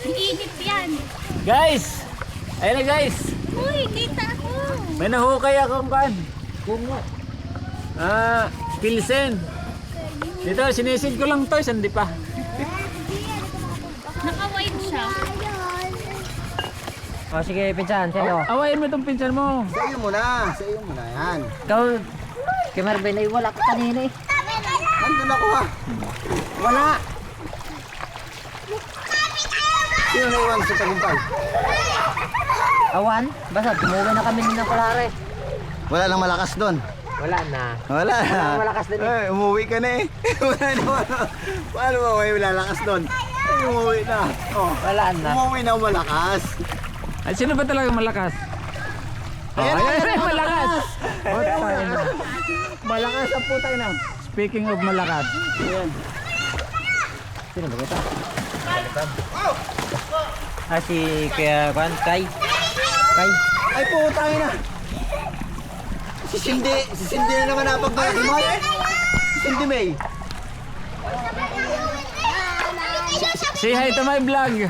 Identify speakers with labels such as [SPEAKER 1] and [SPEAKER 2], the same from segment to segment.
[SPEAKER 1] Iinit yan.
[SPEAKER 2] Guys! Ayun na guys!
[SPEAKER 1] Uy, kita ako.
[SPEAKER 2] May nahukay akong kan.
[SPEAKER 3] Kungo.
[SPEAKER 2] Pilsen. Dito, sinisid ko lang to, hindi pa.
[SPEAKER 1] Naka-white siya.
[SPEAKER 3] O sige, pinsan, sa'yo.
[SPEAKER 2] Awayin mo itong pinsan mo.
[SPEAKER 4] Sa iyo muna. Sa iyo muna yan.
[SPEAKER 3] Ikaw, kay Marvin, ay wala ka kanina eh.
[SPEAKER 4] Nandun ako ha.
[SPEAKER 3] Wala.
[SPEAKER 4] Sino naiwan sa tagumpay?
[SPEAKER 3] Awan, basta tumuwi na kami ng Kulare.
[SPEAKER 4] Wala nang malakas doon.
[SPEAKER 3] Wala na.
[SPEAKER 4] Wala na.
[SPEAKER 3] Walang malakas din eh.
[SPEAKER 4] Ay, umuwi ka na eh. Wala naman. Paano ba may lalakas doon? Ay, umuwi na. Oh.
[SPEAKER 3] Wala na.
[SPEAKER 4] Umuwi na malakas.
[SPEAKER 2] Ay, sino ba talaga malakas?
[SPEAKER 4] Ayan,
[SPEAKER 2] Ayan, malakas!
[SPEAKER 4] Malakas ang putay na.
[SPEAKER 2] Speaking of malakas.
[SPEAKER 4] Ayan.
[SPEAKER 3] Sino ba ito? Si Kuya Juan, Kay.
[SPEAKER 4] Ay, putay na. Si Cindy na naman napagbayad mo. Si Cindy May.
[SPEAKER 2] Say hi to my vlog.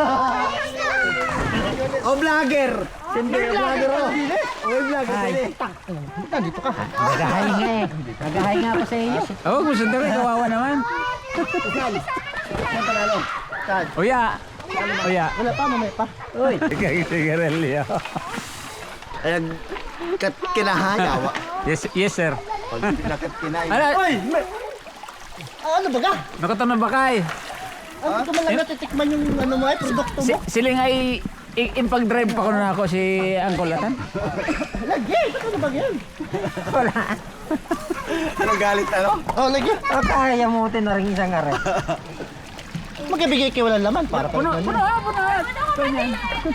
[SPEAKER 4] Oh, vlogger. Cindy, vlogger oh. Oh, vlogger. Cindy. Dito ka.
[SPEAKER 3] Nagahinga eh. Nagahinga ako sa iyo.
[SPEAKER 2] Oh, gusto na rin, kawawa naman.
[SPEAKER 4] Saan panalo? Saan?
[SPEAKER 2] Uya! Uya!
[SPEAKER 4] Wala pa, mamaya pa.
[SPEAKER 3] Uy.
[SPEAKER 2] Sigarilyo.
[SPEAKER 4] Ayan, kinahayawa.
[SPEAKER 2] Yes sir.
[SPEAKER 4] Pag kinahayawa.
[SPEAKER 2] Ano?
[SPEAKER 4] Uy! Ano ba ka?
[SPEAKER 2] Nakatang na bakay.
[SPEAKER 4] Ano ko man lang natitikman yung ano mo produkto mo?
[SPEAKER 2] Siling ay impag-drive pa ko na ako si Uncle Atan.
[SPEAKER 4] Lagi! Ano ba yan?
[SPEAKER 3] Wala.
[SPEAKER 4] Anong galit ano? Oh, lagi!
[SPEAKER 3] Kaya mo na rin isang aray.
[SPEAKER 4] Magkabigay kayo walang laman para
[SPEAKER 2] Puno! Ganyan.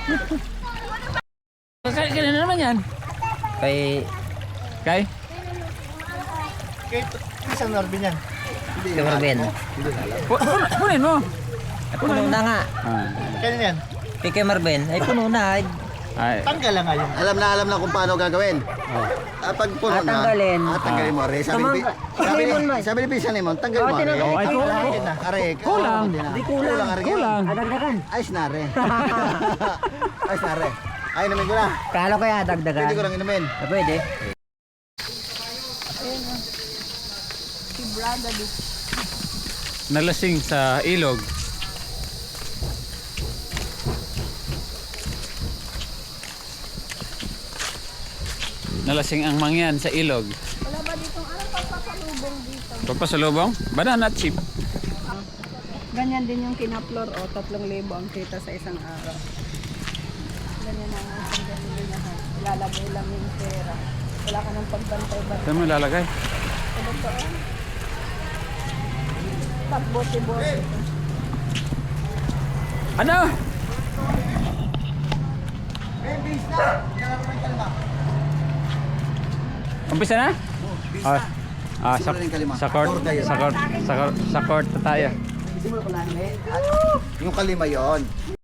[SPEAKER 2] Kailan na naman yan?
[SPEAKER 3] Kay
[SPEAKER 2] Kay?
[SPEAKER 4] Kay isang Norby niyan.
[SPEAKER 3] Kuya Marvin.
[SPEAKER 2] Punin mo!
[SPEAKER 3] Puno na nga.
[SPEAKER 4] Kailan yan?
[SPEAKER 3] Kay Kuya Marvin, ay puno na.
[SPEAKER 2] Ay.
[SPEAKER 4] Tanggal lang ngayon. Alam na kung paano gagawin. Pag puno na.
[SPEAKER 3] Tanggalin.
[SPEAKER 4] Tanggalin mo. Re. Sabi ni Pisa Limon, tanggalin mo. Re.
[SPEAKER 2] Oh, ay,
[SPEAKER 4] Are,
[SPEAKER 2] kulang.
[SPEAKER 3] Di kulang.
[SPEAKER 4] Are.
[SPEAKER 2] Kulang.
[SPEAKER 3] Dagdagan.
[SPEAKER 4] Ayos na re. Ayos na re. Ay, inumin ko na.
[SPEAKER 3] Kala ko ya dagdagan.
[SPEAKER 4] Pwede ko lang inumin.
[SPEAKER 3] Pwede.
[SPEAKER 2] Nalasing sa ilog. Nalasing ang mangyan sa ilog.
[SPEAKER 1] Wala ba dito anong pagpapasalubong dito?
[SPEAKER 2] Pagpasalubong? Banana chip.
[SPEAKER 5] Ganyan din yung kinaplor o 3,000 ang kita sa isang araw. Ganyan ang isang gasolinahan. Ilalagay lang yung pera. Wala ka ng pagbantay-bantay.
[SPEAKER 2] Saan mo ilalagay?
[SPEAKER 5] Sa doon. Pagbote-bote.
[SPEAKER 2] Ano? Umpisa na? Sa court na tayo.
[SPEAKER 4] Yung kalima yon.